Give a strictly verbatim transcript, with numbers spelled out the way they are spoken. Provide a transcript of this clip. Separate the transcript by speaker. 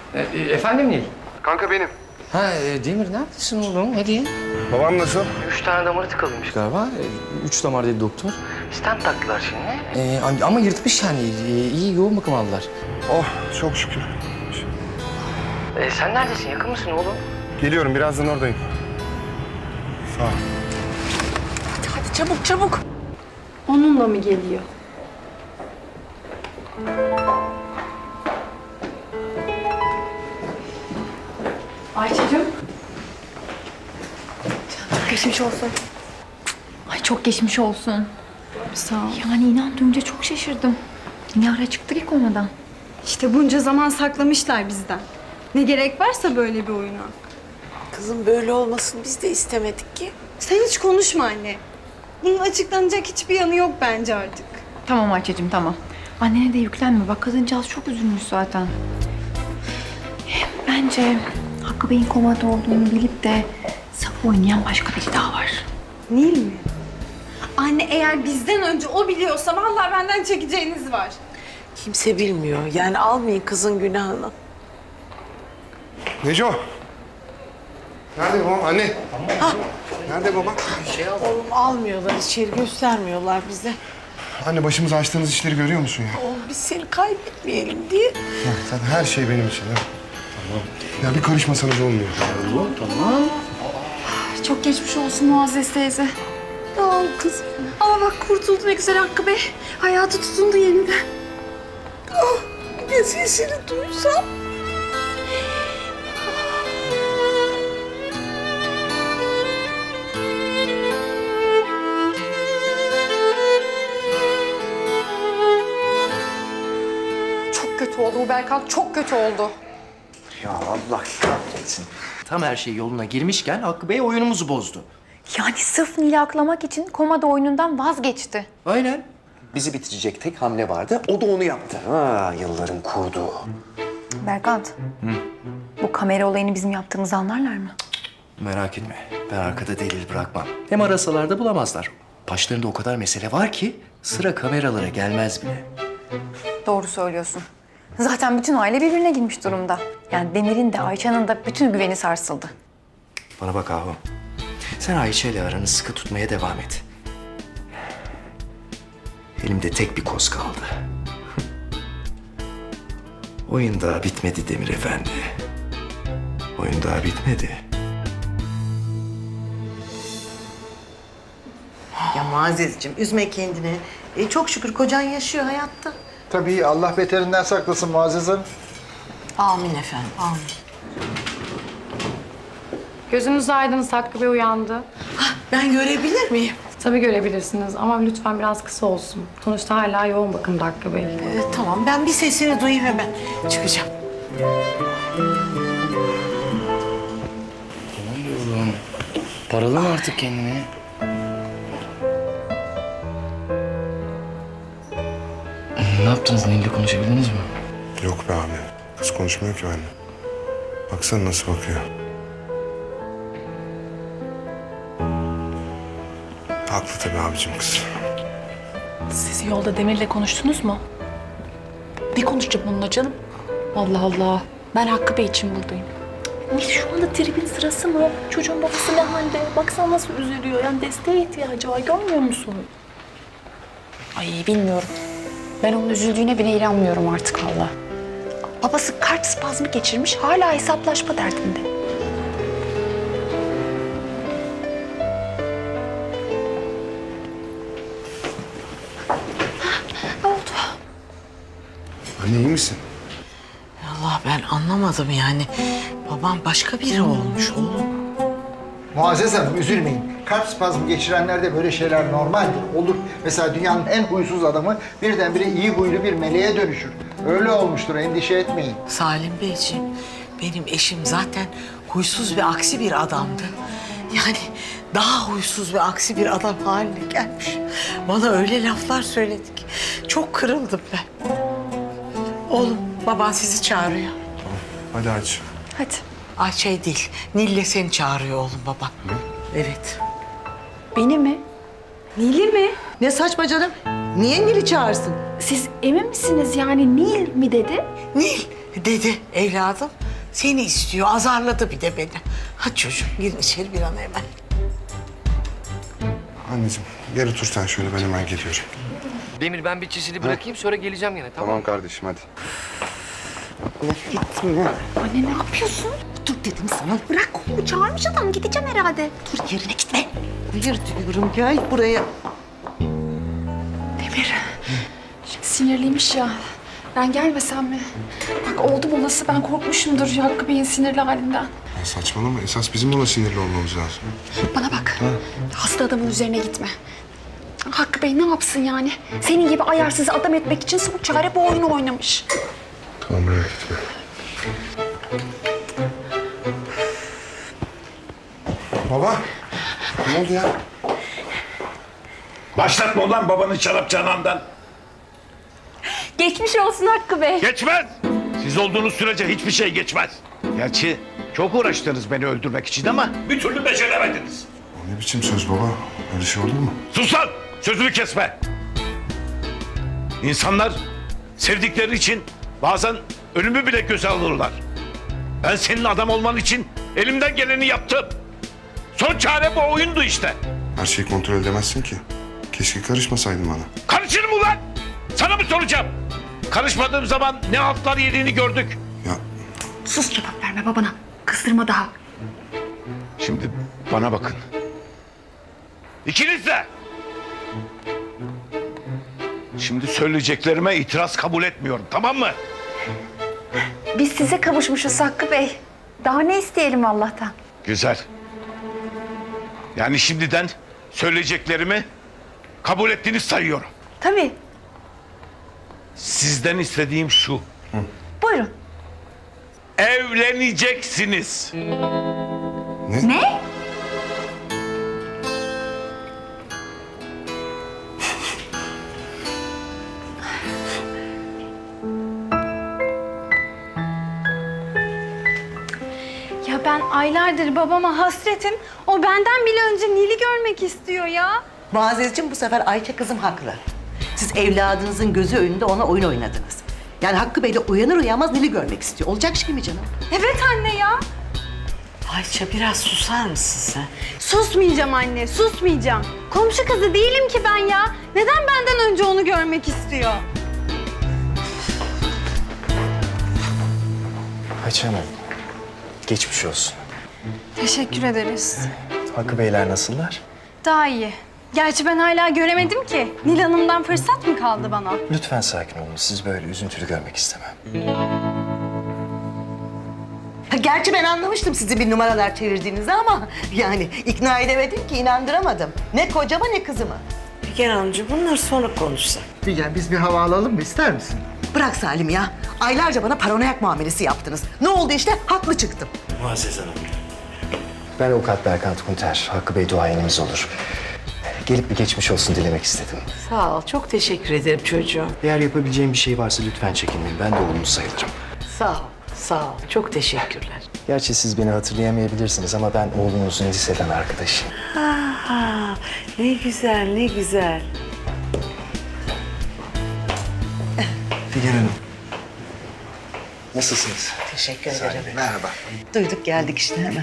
Speaker 1: E, e, efendim Nil?
Speaker 2: Kanka benim.
Speaker 1: Ha e, Demir neredesin oğlum? Hadi.
Speaker 2: Babam nasıl?
Speaker 1: Üç tane damarı tıkalıymış galiba. E, üç damar dedi doktor. Stent taktılar şimdi. E, ama yırtmış yani. E, iyi yoğun bakım aldılar.
Speaker 2: Oh çok şükür.
Speaker 1: E, sen neredesin? Yakın mısın oğlum?
Speaker 2: Geliyorum birazdan oradayım. Sağ ol.
Speaker 3: Hadi hadi çabuk çabuk.
Speaker 4: Onunla mı geliyor? Ayça'cığım.
Speaker 3: Çok geçmiş olsun.
Speaker 5: Ay çok geçmiş olsun.
Speaker 4: Sağ ol.
Speaker 5: Yani inan duyunca çok şaşırdım. Ne ara çıktık ilk komadan.
Speaker 4: İşte bunca zaman saklamışlar bizden. Ne gerek varsa böyle bir oyuna.
Speaker 3: Kızım böyle olmasını biz de istemedik ki.
Speaker 4: Sen hiç konuşma anne. Bunun açıklanacak hiçbir yanı yok bence artık.
Speaker 5: Tamam Ayça'cığım tamam. Annene de yüklenme. Bak kadıncağız çok üzülmüş zaten. Hem bence Hakkı Bey'in komada olduğunu bilip de sap oynayan başka biri daha var.
Speaker 4: Nil mi? Anne eğer bizden önce o biliyorsa vallahi benden çekeceğiniz var.
Speaker 3: Kimse bilmiyor. Yani almayın kızın günahını.
Speaker 2: Neco. Nerede babam? Anne. Ha. Nerede baba?
Speaker 3: Oğlum almıyorlar içeri, göstermiyorlar bize.
Speaker 2: Anne başımıza açtığınız işleri görüyor musun ya?
Speaker 3: Oğlum biz seni kaybetmeyelim diye.
Speaker 2: Ya, sen her şey benim için ya. Tamam. Ya bir karışmasanız olmuyor.
Speaker 5: Çok geçmiş olsun Muazzez teyze.
Speaker 4: Sağ ol kızım. Ama bak kurtuldu ne güzel Hakkı Bey. Hayatı tutundu yeniden.
Speaker 3: Ah, bir de sesini duysam.
Speaker 5: Çok kötü oldu bu Berkan. Çok kötü oldu.
Speaker 6: Ya Allah kahretsin. Tam her şey yoluna girmişken Hakkı Bey oyunumuzu bozdu.
Speaker 5: Yani sırf Nil'i aklamak için komada oyunundan vazgeçti.
Speaker 6: Aynen. Bizi bitirecek tek hamle vardı. O da onu yaptı. Ha, yılların kurdu.
Speaker 5: Berkant. Bu kamera olayını bizim yaptığımızı anlarlar mı?
Speaker 6: Merak etme. Ben arkada delil bırakmam. Hem arasalar da bulamazlar. Başlarında o kadar mesele var ki sıra kameralara gelmez bile.
Speaker 5: Doğru söylüyorsun. Zaten bütün aile birbirine girmiş durumda. Yani Demir'in de Ayça'nın da bütün güveni sarsıldı.
Speaker 6: Bana bak Ahu. Sen Ayşe ile aranı sıkı tutmaya devam et. Elimde tek bir koz kaldı. Oyun daha bitmedi Demir Efendi. Oyun daha bitmedi.
Speaker 3: Ya Muazzezciğim üzme kendini. E, çok şükür kocan yaşıyor hayatta.
Speaker 7: Tabii Allah beterinden saklasın Muazzez Hanım.
Speaker 3: Amin efendim, amin.
Speaker 8: Gözünüz aydın, Hakkı Bey uyandı.
Speaker 3: Ben görebilir miyim?
Speaker 8: Tabii görebilirsiniz ama lütfen biraz kısa olsun. Sonuçta hala yoğun bakımda Hakkı Bey.
Speaker 3: Ee, tamam, ben bir sesini duyayım hemen. Çıkacağım.
Speaker 1: Oğlum paralama artık kendini. Ne yaptınız? Nil'le konuşabildiniz mi?
Speaker 2: Yok be abi. Kız konuşmuyor ki benimle. Baksana nasıl bakıyor. Haklı tabii abicim kız.
Speaker 9: Siz yolda Demir'le konuştunuz mu? Ne konuşacağım onunla canım? Allah Allah. Ben Hakkı Bey için buradayım. Nil şu anda tribin sırası mı? Çocuğun babası ne halde? Baksana nasıl üzülüyor. Yani desteğe ihtiyacı var. Görmüyor musun?
Speaker 5: Ay bilmiyorum. Ben onun üzüldüğüne bile inanmıyorum artık valla. Babası kart spazmı geçirmiş, hala hesaplaşma derdinde. Ne oldu?
Speaker 2: Anne iyi misin?
Speaker 3: Allah ben anlamadım yani. Babam başka biri olmuş oğlum.
Speaker 7: Muazzez Hanım üzülmeyin. Kalp spazmı geçirenlerde böyle şeyler normaldir, olur. Mesela dünyanın en huysuz adamı birdenbire iyi huylu bir meleğe dönüşür. Öyle olmuştur, endişe etmeyin.
Speaker 3: Salim Beyciğim, benim eşim zaten huysuz ve aksi bir adamdı. Yani daha huysuz ve aksi bir adam haline gelmiş. Bana öyle laflar söyledi ki çok kırıldım ben. Oğlum, baban sizi çağırıyor.
Speaker 2: Hadi aç.
Speaker 5: Hadi.
Speaker 3: Ay şey değil, Nil'le seni çağırıyor oğlum baban. Evet.
Speaker 5: Beni mi?
Speaker 4: Nil'i mi?
Speaker 3: Ne saçma canım? Niye Nil'i çağırsın?
Speaker 5: Siz emin misiniz yani Nil mi dedi?
Speaker 3: Nil, Dedi evladım. Seni istiyor, azarladı bir de beni. Hadi çocuğum girin içeri bir an hemen.
Speaker 2: Anneciğim gel otur sen şöyle, ben hemen geliyorum.
Speaker 1: Demir ben bir çizili bırakayım sonra geleceğim gene tamam.
Speaker 2: Tamam kardeşim hadi.
Speaker 5: Anne ne yapıyorsun?
Speaker 3: Dur dedim sana.
Speaker 5: Bırak kolumu, çağırmış adam. Gideceğim herhalde.
Speaker 3: Dur yerine gitme. Hayır diyorum gel buraya.
Speaker 9: Demir. Sinirliymiş ya. Ben gelmesem mi? Bak oldu bulası ben korkmuşumdur ya Hakkı Bey'in sinirli halinden.
Speaker 2: Ya saçmalama, esas bizim ona sinirli olmamız lazım.
Speaker 9: Bana bak. Hasta adamın üzerine gitme. Hakkı Bey ne yapsın yani? Senin gibi ayarsız adam etmek için son çare bu oyunu oynamış.
Speaker 2: Tamam merak etme. Baba, ne oldu ya?
Speaker 10: Başlatma ulan babanı şarap canandan.
Speaker 4: Geçmiş olsun Hakkı Bey.
Speaker 10: Geçmez. Siz olduğunuz sürece hiçbir şey geçmez. Gerçi çok uğraştınız beni öldürmek için ama bir türlü beceremediniz.
Speaker 2: O ne biçim söz baba? Öyle şey olur mu?
Speaker 10: Sus lan! Sözümü kesme. İnsanlar sevdikleri için bazen ölümü bile göze alırlar. Ben senin adam olman için elimden geleni yaptım. Son çare bu oyundu işte.
Speaker 2: Her şeyi kontrol edemezsin ki. Keşke karışmasaydın bana.
Speaker 10: Karışırım ulan! Sana mı soracağım? Karışmadığım zaman ne altlar yediğini gördük.
Speaker 2: Ya
Speaker 5: Sus, cevap verme babana. Kızdırma daha.
Speaker 10: Şimdi bana bakın. İkiniz de. Şimdi söyleyeceklerime itiraz kabul etmiyorum, tamam mı?
Speaker 5: Biz size kavuşmuşuz Hakkı Bey. Daha ne isteyelim Allah'tan?
Speaker 10: Güzel. Yani şimdiden söyleyeceklerimi kabul ettiğini sayıyorum.
Speaker 5: Tabii.
Speaker 10: Sizden istediğim şu.
Speaker 5: Buyurun.
Speaker 10: Evleneceksiniz.
Speaker 2: ne?
Speaker 5: Ne?
Speaker 4: Ya ben aylardır babama hasretim. O benden bile önce Nil'i görmek istiyor ya.
Speaker 3: Muazzezciğim bu sefer Ayça kızım haklı. Siz evladınızın gözü önünde ona oyun oynadınız. Yani Hakkı Bey de uyanır uyanmaz Nil'i görmek istiyor. Olacak şey mi canım?
Speaker 4: Evet anne ya.
Speaker 3: Ayça biraz susar mısın sen?
Speaker 4: Susmayacağım anne, susmayacağım. Komşu kızı değilim ki ben ya. Neden benden önce onu görmek istiyor?
Speaker 6: Ayça Hanım, geçmiş olsun.
Speaker 4: Teşekkür ederiz.
Speaker 6: Hakkı Beyler nasıllar?
Speaker 4: Daha iyi. Gerçi ben hala göremedim ki. Nil Hanım'dan fırsat mı kaldı bana?
Speaker 6: Lütfen sakin olun. Sizi böyle üzüntülü görmek istemem.
Speaker 3: Ha, gerçi ben anlamıştım sizi bir numaralar çevirdiğinizi ama yani ikna edemedim ki, inandıramadım. Ne kocama ne kızıma. Figen Hanımcığım bunları sonra konuşsak.
Speaker 7: Figen biz bir hava alalım mı, ister misin?
Speaker 3: Bırak Salim ya. Aylarca bana paranoyak muamelesi yaptınız. Ne oldu işte? Haklı çıktım.
Speaker 6: Muazzez Hanım. Ben avukat Berkant Kunter. Hakkı Bey duayenimiz olur. Gelip bir geçmiş olsun dilemek istedim.
Speaker 3: Sağ ol. Çok teşekkür ederim çocuğum.
Speaker 6: Eğer yapabileceğim bir şey varsa lütfen çekinmeyin. Ben de oğlunuz sayılırım.
Speaker 3: Sağ ol. Sağ ol. Çok teşekkürler.
Speaker 6: Gerçi siz beni hatırlayamayabilirsiniz ama ben oğlunuzun liseden arkadaşıyım.
Speaker 3: Aa, ne güzel, ne güzel.
Speaker 6: Figen Hanım. Nasılsınız?
Speaker 3: Teşekkür ederim.
Speaker 7: Merhaba.
Speaker 3: Duyduk geldik işte hemen.